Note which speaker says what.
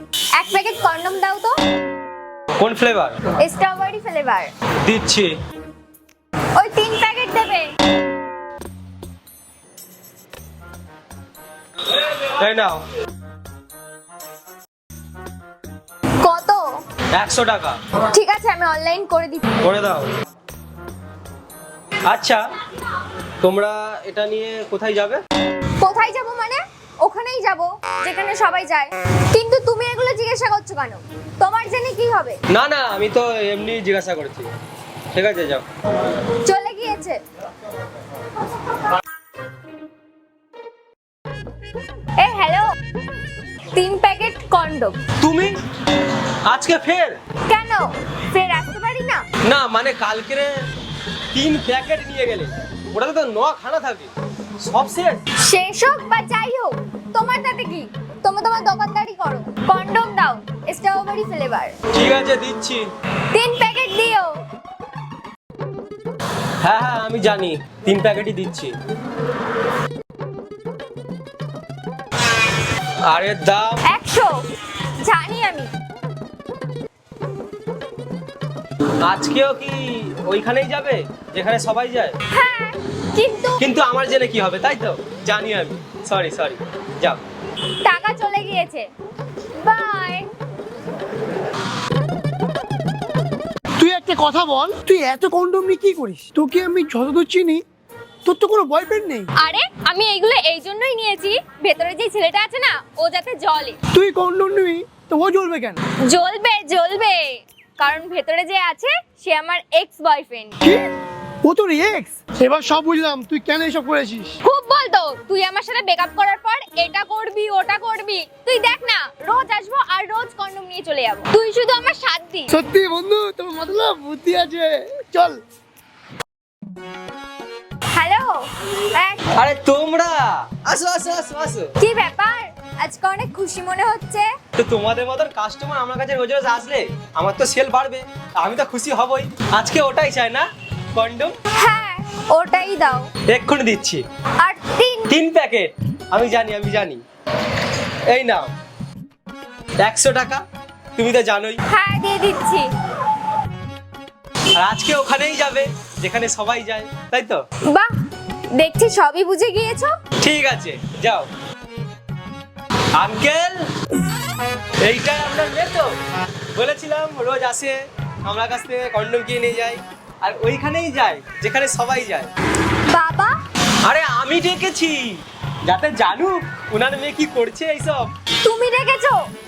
Speaker 1: এক packet condom দাও তো।
Speaker 2: কোন ফ্লেভার?
Speaker 1: Strawberry flavour.
Speaker 2: দিচ্ছি।
Speaker 1: ওই 3 প্যাকেট দেবে।
Speaker 2: এই নাও।
Speaker 1: কত?
Speaker 2: 100 টাকা।
Speaker 1: ঠিক আছে, আমি অনলাইন করে দিচ্ছি।
Speaker 2: করে দাও। আচ্ছা, তোমরা এটা নিয়ে কোথায় যাবে?
Speaker 1: কোথায় যাব মানে? ওখানেই যাব যেখানে সবাই যায়। কিন্তু তুমি এগুলো জিজ্ঞাসা করছো কেন? তোমার জেনে কি হবে?
Speaker 2: না না, আমি তো এমনি জিজ্ঞাসা করছি। ঠিক আছে, যাও।
Speaker 1: চলে গিয়েছে। এই হ্যালো, 3 প্যাকেট কন্ডম।
Speaker 2: তুমি আজকে ফের?
Speaker 1: কেন ফের আসতে পারি না?
Speaker 2: না মানে কালকে 3 প্যাকেট নিয়ে গেলে, ওটাতে তো 9 খানা থাকে, সব শেষ।
Speaker 1: শেষ হোক বা যাই হোক, তোমার তাতে কি? তোমার দোকানদারি করো। কন্ডম দাও, স্ট্রবেরি ফ্লেভার।
Speaker 2: ঠিক আছে, দিচ্ছি।
Speaker 1: 3 প্যাকেট দিও।
Speaker 2: হ্যাঁ হ্যাঁ, আমি জানি, 3 প্যাকেটই দিচ্ছি। আরে দাম
Speaker 1: 100। জানি আমি।
Speaker 2: আজকেও কি ওইখানেই যাবে যেখানে সবাই যায়?
Speaker 1: হ্যাঁ, কিন্তু
Speaker 2: কিন্তু আমার জেনে কি হবে, তাই তো? জানি আমি। সরি সরি, যাও।
Speaker 1: টাকা চলে গিয়েছে। বাই।
Speaker 3: তুই একটা কথা বল, তুই এত কন্ডম নিয়ে কি করিস? তোকে আমি যতদূর চিনি তোর তো কোনো বয়ফ্রেন্ড নেই।
Speaker 1: আরে আমি এইগুলো এই জন্যই নিয়েছি, ভেতরে যে ছেলেটা আছে না, ও যাতে জ্বলে।
Speaker 3: তুই কন্ডম নিবি তো ও জ্বলবে কেন?
Speaker 1: জ্বলবে জ্বলবে, কারণ ভেতরে যে আছে সে আমার এক্স বয়ফ্রেন্ড।
Speaker 3: কি? ও তোর এক্স? এবার সব বুঝলাম তুই কেন এসব করেছিস।
Speaker 1: খুব বলতো, তুই আমার সাথে ব্রেকআপ করার পর এটা করবি ওটা করবি। তুই দেখ না, রোজ আসবো আর রোজ কন্ডম নিয়ে চলে যাবো। তুই শুধু আমার সাথ দিস।
Speaker 3: সত্যি বন্ধু, তোর মতলব বুদ্ধি আছে। চল।
Speaker 1: হ্যালো।
Speaker 2: আরে তোমরা আসো আসো আসো আসো।
Speaker 1: কি ব্যাপার, আজকে অনেক খুশি মনে হচ্ছে।
Speaker 2: তো তোমাদের মতন কাস্টমার আমার কাছে রোজ রোজ আসলে আমার তো সেল বাড়বে, আমি তো খুশি হবই। আজকে ওটাই চাই না, কন্ডম।
Speaker 1: হ্যাঁ, ওটাই দাও।
Speaker 2: এক্ষুনি দিচ্ছি।
Speaker 1: আর 3
Speaker 2: প্যাকেট। আমি জানি আমি জানি। এই নাও 100 টাকা, তুমি তো জানোই।
Speaker 1: হ্যাঁ, দিয়ে দিচ্ছি।
Speaker 2: আর আজকে ওখানেই যাবে যেখানে সবাই যায়, তাই তো?
Speaker 1: বাহ, দেখছি সবই বুঝে গিয়েছো।
Speaker 2: ঠিক আছে, যাও। আঙ্কেল, এইটাই আপনার মেয়ে তো? বলেছিলাম রোজ আসে আমার কাছ থেকে কন্ডম কিনে নিয়ে যায়, আর ওইখানেই যায় যেখানে সবাই যায়।
Speaker 1: বাবা,
Speaker 2: আরে আমি ডেকেছি যাতে জানুক ওনার মেয়ে কি করছে এইসব।
Speaker 1: তুমি রেখেছো?